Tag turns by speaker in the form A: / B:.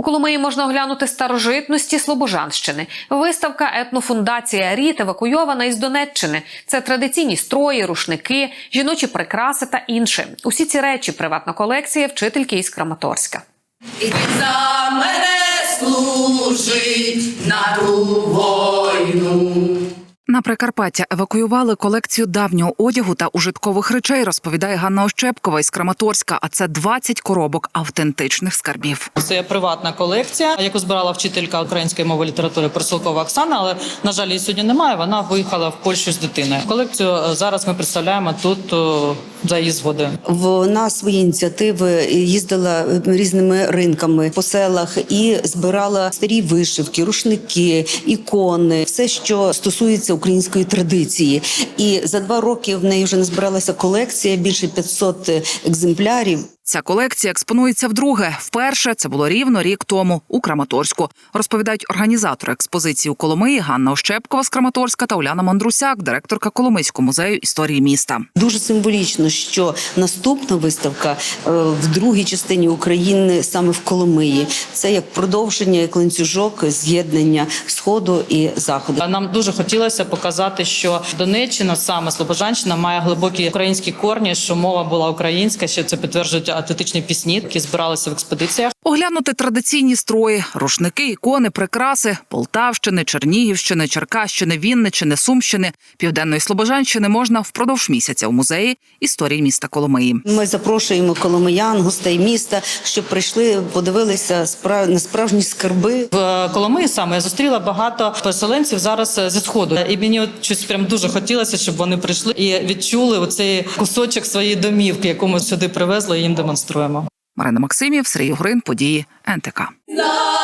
A: У Коломиї можна оглянути старожитності Слобожанщини. Виставка «Етнофундація Рід» евакуйована із Донеччини. Це традиційні строї, рушники, жіночі прикраси та інше. Усі ці речі – приватна колекція вчительки із Краматорська.
B: І ти за мене служить на ту війну.
C: На Прикарпаття евакуювали колекцію давнього одягу та ужиткових речей, розповідає Ганна Ощепкова із Краматорська, а це 20 коробок автентичних скарбів.
D: Це приватна колекція, яку збирала вчителька української мови і літератури Персилкова Оксана, але, на жаль, її сьогодні немає, вона виїхала в Польщу з дитиною. Колекцію зараз ми представляємо тут за її згодою.
E: Вона свої ініціативи їздила різними ринками по селах і збирала старі вишивки, рушники, ікони, все, що стосується української традиції. І за 2 роки в неї вже назбиралася колекція, більше 500 екземплярів.
C: Ця колекція експонується вдруге. Вперше це було рівно рік тому у Краматорську. Розповідають організатори експозиції у Коломиї Ганна Ощепкова з Краматорська та Уляна Мандрусяк, директорка Коломийського музею історії міста.
E: Дуже символічно, що наступна виставка в другій частині України саме в Коломиї. Це як продовження, як ланцюжок з'єднання Сходу і Заходу.
D: Нам дуже хотілося показати, що Донеччина, саме Слобожанщина, має глибокі українські корні, що мова була українська, що це підтверджують автентичні пісні, які збиралися в експедиціях.
C: Оглянути традиційні строї, рушники, ікони, прикраси Полтавщини, Чернігівщини, Черкащини, Вінниччини, Сумщини, Південної Слобожанщини можна впродовж місяця у музеї історії міста Коломиї.
E: Ми запрошуємо коломиян, гостей міста, щоб прийшли, подивилися на справжні скарби.
D: В Коломиї саме я зустріла багато переселенців зараз зі Сходу. І мені от щось прям дуже хотілося, щоб вони прийшли і відчули оцей кусочок своєї домівки, яку ми сюди привезли і їм демонструємо.
C: Марина Максимів, Сергій Угрин, події НТК.